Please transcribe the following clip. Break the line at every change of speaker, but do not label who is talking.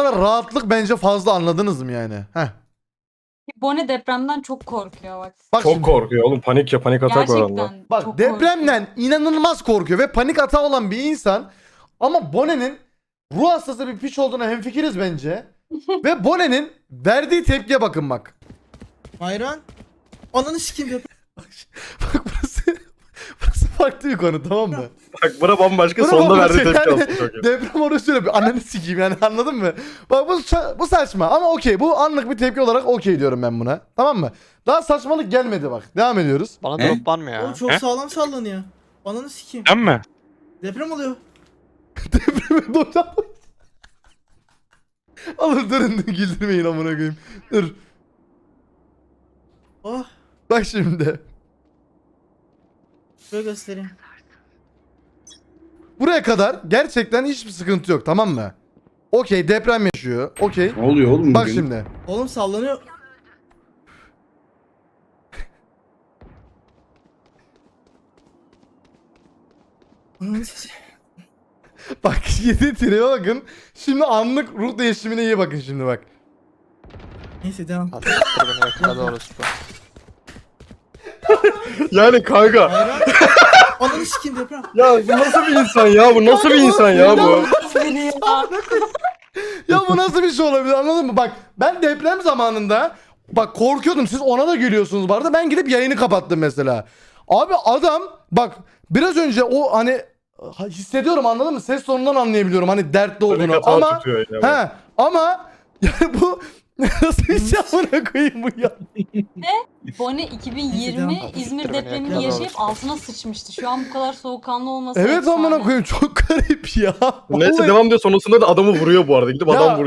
kadar rahatlık bence fazla, anladınız mı yani? Heh.
Bonnie depremden çok korkuyor bak.
Bak
Çok
şimdi.
korkuyor oğlum. Panik atak var onda.
Gerçekten
Bak
çok
depremden
korkuyor.
inanılmaz korkuyor ve panik atağı olan bir insan, ama Bonnie'nin ruh hastası bir piç olduğuna hemfikiriz bence. Ve Bonnie'nin verdiği tepkiye bakın bak.
Hayran. Ananı sikeyim deprem.
Bak burası farklı bir konu, tamam mı?
Bak bura bambaşka,
Bura
sonunda
bambaşka
verdiği tepki
yani.
aslında çok iyi.
Deprem orası şöyle bir ananı sikeyim yani, anladın mı? Bak bu saçma ama okey, bu anlık bir tepki olarak okey diyorum ben buna, tamam mı? Daha saçmalık gelmedi bak, devam ediyoruz.
Bana
Ne?
drop var mı ya?
Oğlum çok
He?
sağlam sallanıyor. Ananı sikeyim.
Sen mi?
Deprem oluyor.
Depremi doşan. Oğlum durun, güldürmeyin amına koyayım. Dur.
Oh.
Bak şimdi.
Şöyle göstereyim.
Buraya kadar gerçekten hiçbir sıkıntı yok, tamam mı? Okey, deprem yaşıyor. Okey.
Ne oluyor oğlum
Bak
bugün?
şimdi.
Oğlum sallanıyor. Ananı sikeyim.
Bak yedi tribe bakın. Şimdi anlık ruh değişimine iyi bakın şimdi bak.
Neyse devam.
Attır beni yakaladı orası.
Yani kanka.
Hayran. Ananı sikeyim deprem.
Ya bu nasıl bir insan ya? Bu nasıl bir insan ya bu?
Ya bu nasıl bir şey olabilir, anladın mı? Bak ben deprem zamanında bak korkuyordum, siz ona da gülüyorsunuz bu arada, ben gidip yayını kapattım mesela. Abi adam bak biraz önce o hani hissediyorum, anladın mı? Ses tonundan anlayabiliyorum hani dertli
Panik
olduğunu
atağı
ama
tutuyor yani.
he ama yani bu nasıl bir şey, amına koyayım bu ya.
Bonnie
Neyse,
2020
devam.
İzmir
Attır beni
depremini
yakaladı
yaşayıp
orası.
altına sıçmıştı. Şu an bu kadar soğukkanlı olması
Evet
efsane.
amına koyayım, çok garip ya.
Neyse
Vallahi-
devam diyor, sonrasında da adamı vuruyor bu arada. Gidip
Ya,
adam vuruyor.